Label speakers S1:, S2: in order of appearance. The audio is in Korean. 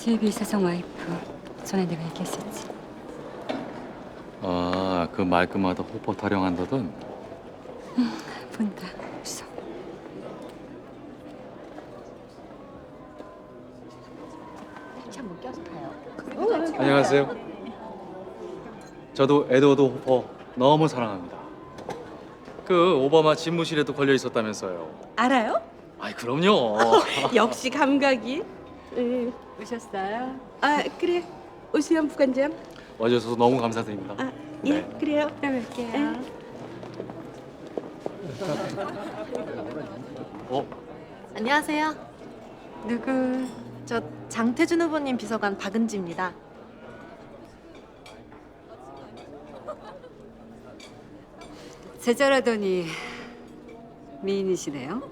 S1: 제비 사성 와이프. 전에 내가 얘기했었지.
S2: 아, 그 말끝마다 호퍼 타령한다던.
S1: 본다. 웃어.
S3: 한번 껴서 가요.
S2: 안녕하세요. 저도 에드워드 호퍼 너무 사랑합니다. 그 오바마 집무실에도 걸려 있었다면서요.
S3: 알아요?
S2: 아이 그럼요.
S3: 역시 감각이.
S1: 오셨어요?
S3: 아 그래. 오수연 부관장.
S2: 와주셔서 너무 감사드립니다.
S3: 아 예,
S2: 네.
S3: 그래요.
S1: 또 뵐게요.
S2: 어?
S4: 안녕하세요.
S1: 누구?
S4: 저 장태준 후보님 비서관 박은지입니다.
S1: 제자라더니 미인이시네요.